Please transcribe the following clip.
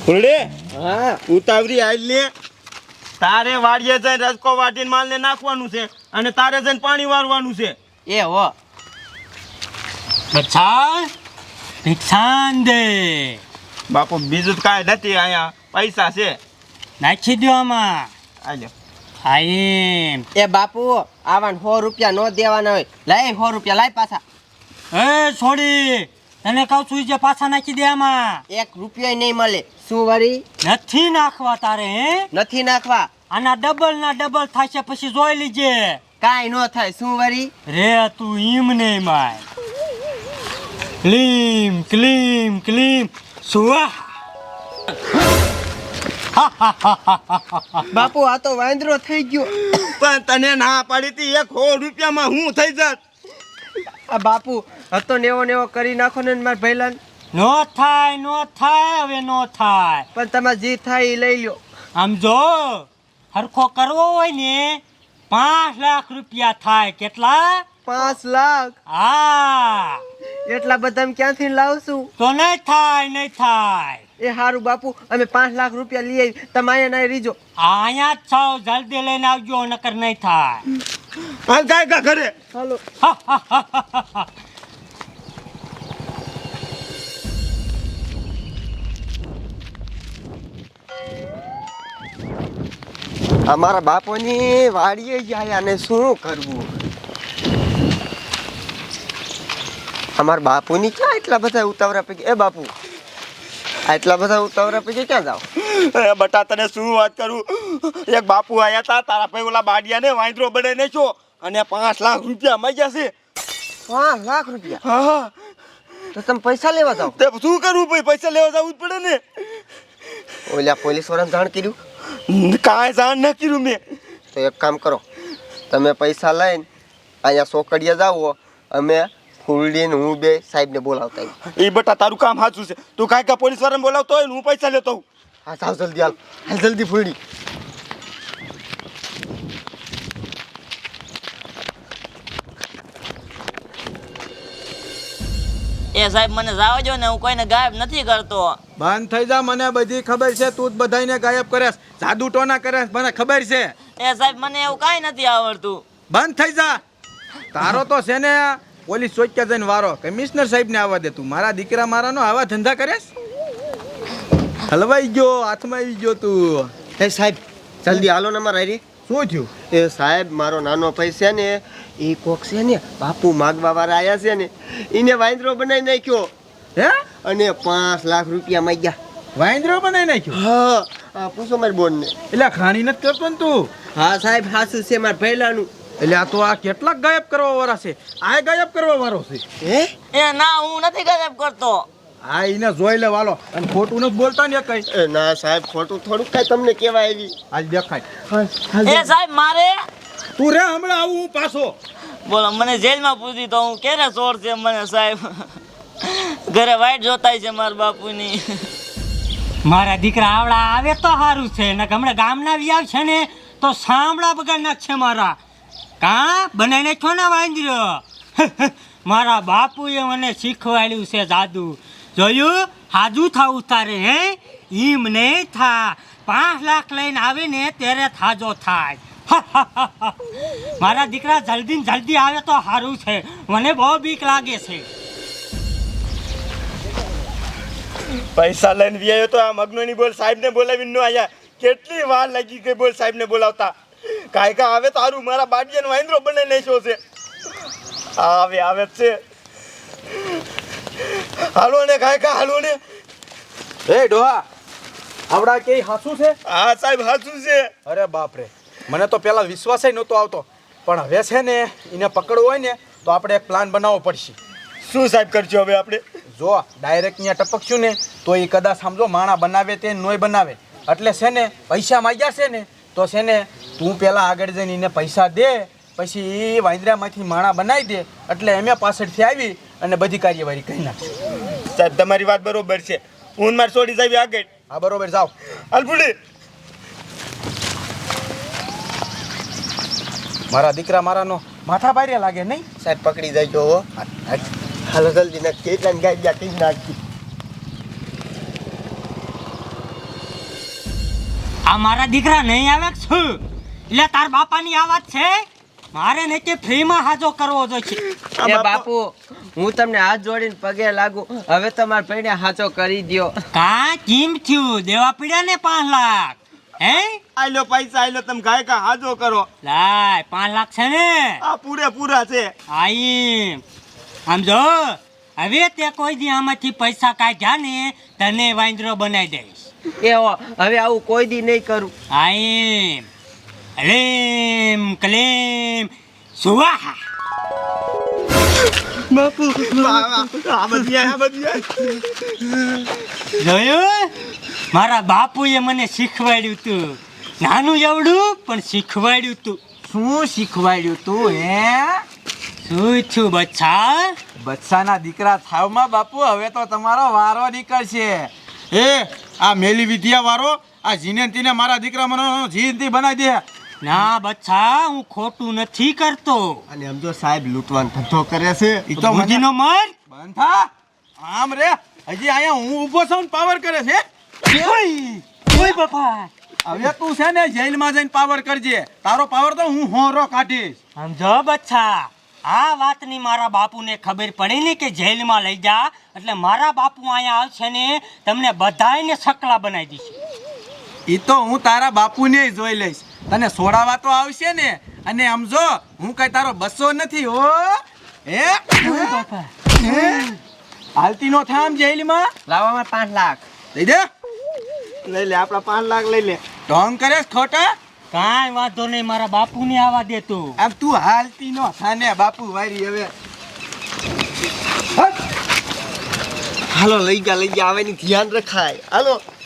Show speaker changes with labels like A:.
A: ફૂલડે
B: હા
A: ઉતાવળી આઈ લે. તારે વાડીએ જઈને રસકો વાટીને માલને નાખવાનું છે અને તારે જઈને પાણી વારવાનું છે.
B: એ હો
C: બચ્ચા ભિક્ષાન દે.
A: બાપુ બીજું તો કાંઈ નથી, અહીંયા પૈસા છે.
C: નાખી દો આમાં.
A: આજો.
C: આઈમ
B: એ બાપુ આવાન 100 રૂપિયા નો દેવાના હોય. લાય 100 રૂપિયા લાય પાછા.
C: એ છોડી, તને કહું છું જે પાછા નાખી દે આમાં.
B: 1 રૂપિયા નહીં મળે. શું વળી
C: નથી નાખવા તારે? હે
B: નથી નાખવા?
C: આના ડબલ ના ડબલ થશે, પછી જોઈ લીજે.
B: કાઈ નો થાય. શું વળી
C: રે તું ઈમ નહીં માય. ક્લીમ ક્લીમ ક્લીમ સુવા.
B: બાપુ આ તો વાંદરો થઈ ગયો.
A: પણ તને ના પાડી હતી 100 રૂપિયામાં હું થઈ જાત.
B: આ બાપુ હતો નેવો કરી નાખો ને મારા ભૈલાન.
C: નો થાય નો થાય, હવે નો થાય.
B: પણ તમારે જે થાય એ લઈ લ્યો.
C: આમ જો હરખો કરવો હોય ને 5 લાખ રૂપિયા થાય. કેટલા?
B: 5 લાખ?
C: હા.
B: એટલા બધા ક્યાંથી લાવશું?
C: તો નહીં થાય, નહીં થાય.
B: એ હારું બાપુ, અમે 5 લાખ રૂપિયા લઈ આવી. તમે અહીંયા ના રીજો.
C: અહીંયા જ છો, જલ્દી લઈને આવજો, નકર નહીં થાય.
A: હાલ ગાય ઘરે.
B: હાલો. અમારા બાપુની વાડીએ જાય અને શું કરવું? અમારા બાપુની ક્યાં એટલા બધા ઉતાવળા પૈકી? એ બાપુ આટલા બધા ઉતાવળા પૈકી ક્યાં જાવ?
A: એ બટા તને શું વાત કરું, એક બાપુ આયા તા, તારા ભાઈ ઓલા બાડિયાને વાંદરો બનાવીને છો અને 5 લાખ રૂપિયા માંગ્યા છે.
B: 5 લાખ રૂપિયા?
A: હા.
B: તો તમે પૈસા લેવા જાવ?
A: તે શું કરવું ભાઈ, પૈસા લેવા જવું જ પડે ને.
B: ઓલા પોલીસ વાળાને જાણ કર્યું?
A: કાંઈ જાણ ન કર્યું મેં.
B: તો એક કામ કરો, તમે પૈસા લઈને અહીંયા સોકડીએ જાઓ, અમે ફૂલડીને હું બે સાહેબને બોલાવતા આવીએ.
A: એ બટા તારું કામ સાચું છે, તું કાંઈ પોલીસ વાળાને બોલાવતો હોય ને હું પૈસા લેતો હોઉં.
B: હા જાઓ જલ્દી, હાલ જલ્દી ફૂલડી.
D: એ સાહેબ મને જાવ જો ને, હું કોઈને ગાયબ નથી કરતો.
E: બંધ થઈ જા, મને બધી ખબર છે. તું જ બધાને ગાયબ કરેસ, જાદુ ટોના કરેસ, મને ખબર છે.
D: એ સાહેબ મને એવું કાંઈ નથી આવડતું.
E: બંધ થઈ જા. તારો તો છે ને પોલીસ ચોક્યા જઈને વારો કમિશનર સાહેબ ને આવવા દે. તું મારા દીકરા મારાનો આવા ધંધા કરેસ? હલવાઈ ગયો, હાથમાં આવી ગયો તું.
B: એ સાહેબ જલ્દી હાલો ને મારા રે.
E: શું થયું?
B: એ સાહેબ મારો નાનો ભાઈ છે ને, એ કોક છે ને બાપુ માગવા વાળા આયા છે ને, એને વાંદરો બનાવી નાખ્યો.
E: હે?
B: અને 5 લાખ રૂપિયા માંગ્યા.
E: વાંદરો બનાવી નાખ્યો?
B: હા આ પૂછો મારી બોન ને.
E: એટલે ખાણી નથી કરતો ને તું?
B: હા સાહેબ હાસુ છે મારા ભૈલાનું.
E: એટલે આ તો આ કેટલાક ગાયબ કરવા વાળા છે. આ ગાયબ કરવા વાળો છે.
B: હે?
D: એ ના, હું નથી ગાયબ કરતો.
E: આ એને જોઈ લે વાલો, અને ખોટું નથી બોલતા ને કઈ.
B: એ ના સાહેબ ખોટું થોડુંક કઈ તમને કહેવાય આવી.
E: આજ દેખાય.
D: એ સાહેબ મારે
E: તું રે, હમણાં આવું હું પાછો.
D: બોલો, મને જેલમાં પૂછી તો હું ક્યારે ચોર છે મને સાહેબ. ઘરે વાઈટ જોતાય છે મારા બાપુની.
C: મારા દીકરા આવડા આવે તો સારું છે, ને હમણાં ગામના વ્યાવ છે ને તો સાંભળા બગાડ નાખશે મારા. કા બનાવી નાખ્યો ને વાંદરો. મારા બાપુએ મને શીખવાડ્યું છે જાદુ. જોયું? હાજુ થાવું તારે. હે ઈમ નહીં થા. 5 લાખ લઈને આવે ને ત્યારે થાજો થાય. મારા દીકરા જલ્દી ને જલ્દી આવે તો સારું છે, મને બહુ બીક લાગે છે.
A: પૈસા લઈને વ્યાયો તો આ મગનોની બોલ સાહેબને બોલાવીને નો આયા. કેટલી વાર લાગી ગઈ બોલ સાહેબને બોલાવતા. કાંઈ આવે તારું મારા બાડિયાનો વાંદરો બનાવી નાખ્યો છે. આવે જ છે. હાલો ને કાંઈ હાલો ને.
E: એ ડોહા, આવડા કે હાસું છે?
A: હા સાહેબ સાચું છે.
E: અરે બાપ રે, મને તો પેલા વિશ્વાસ નહોતો આવતો, પણ હવે છે ને એને પકડવું હોય ને તો આપણે એક પ્લાન બનાવવો પડશે.
A: શું સાહેબ કરજો હવે આપણે?
E: જો ડાયરેક્ટ અહીંયા ટપકશું ને તો એ કદાચ સમજો માણા બનાવે તે નોય બનાવે. એટલે છે ને પૈસા માંગ્યા છે ને તો છે ને તું પેલા આગળ જઈને એને પૈસા દે, પછી એ વાંદરામાંથી માણા બનાવી દે, એટલે અમે પાછળથી આવી અને બધી કાર્યવાહી કરી નાખીશું.
A: સાહેબ તમારી વાત બરોબર છે. હું મારે છોડી સાહેબ આગળ.
E: હા બરોબર, જાઓ.
A: અલફુડી
E: મારા દીકરા મારાનો માથા ભારે લાગે નહીં?
B: સાહેબ પકડી જાય હો. હાલો જલ્દી નાખી. એટલા ગાય ગયા કઈ નાખી.
C: આ મારા દીકરા નહીં આવે કે શું એટલે તાર બાપાની આ વાત છે મારે નહીં કે ફ્રીમાં હાજો કરવો જોઈએ
B: એ બાપુ હું તમને હાથ જોડીને પગે લાગુ હવે તમારા પૈણે હાચો કરી દ્યો.
C: કા કેમ થયું દેવા પડ્યા ને 5 લાખ હે
A: આયલો પૈસા આયલો તમે ગાય કા હાજો કરો
C: લાય 5 લાખ છે ને
A: આ પૂરેપૂરા છે
C: આઈ આમ જો હવે તે કોઈ દી આમાંથી પૈસા કાઢ્યા ને તને વાંદરો બનાવી દઈશ
B: એ હો હવે આવું કોઈ દી નહીં કરું.
C: આઈ અલેમ કલેમ સુવાહા
A: બાપુ આ બધી
C: જોયું મારા બાપુએ મને શીખવાડ્યું તું નાનું એવડું પણ શીખવાડ્યું તું
E: શું શીખવાડ્યું તું હે
C: શું છું બચ્ચા
E: બચ્ચાના દીકરા થાવમાં બાપુ હવે તો તમારો વારો નીકળશે. એ આ મેલી વિદ્યા વાળો આ જીને તીને મારા દીકરા મને જીનતી બનાવી દે.
C: ના બચ્ચા હું ખોટું નથી કરતો
B: અને આમ જો સાહેબ લૂંટવાનો ધંધો કરે છે.
E: ઈ તો મને
C: બુદ્ધિનો મર
E: બંધ થા. આમ રે હજી અહીંયા હું ઊભો છું ને પાવર કરે છે.
C: ઓય બાપા
E: હવે તું છે ને જેલમાં જઈને પાવર કરજે. તારો પાવર તો હું હોરો કાઢીશ.
C: સમજો બચ્ચા આ વાતની મારા બાપુને ખબર પડી ને કે જેલમાં લઈ જા એટલે મારા બાપુ અહીંયા આવશે ને તમને બધાયને સકલા બનાવી દેશે
E: ઈ તો હું તારા બાપુને જોઈ લઈશ. તને સોડાવા તો આવશે ને. અને સમજો હું કઈ તારો બસો નથી હો. હે હાલતી નો થામ જેલમાં
B: લાવવામાં 5 લાખ.
E: દઈ દે.
A: લઈ લે આપણા 5 લાખ લઈ લે
E: ઢોંગ કરે ખોટા.
C: કાંઈ વાંધો નહીં મારા બાપુને આવવા દે તું
E: આમ તું હાલતી નો થાને બાપુ વારી હવે.
B: હાલો લઈ ગયા આવે ની ધ્યાન રખાય. હાલો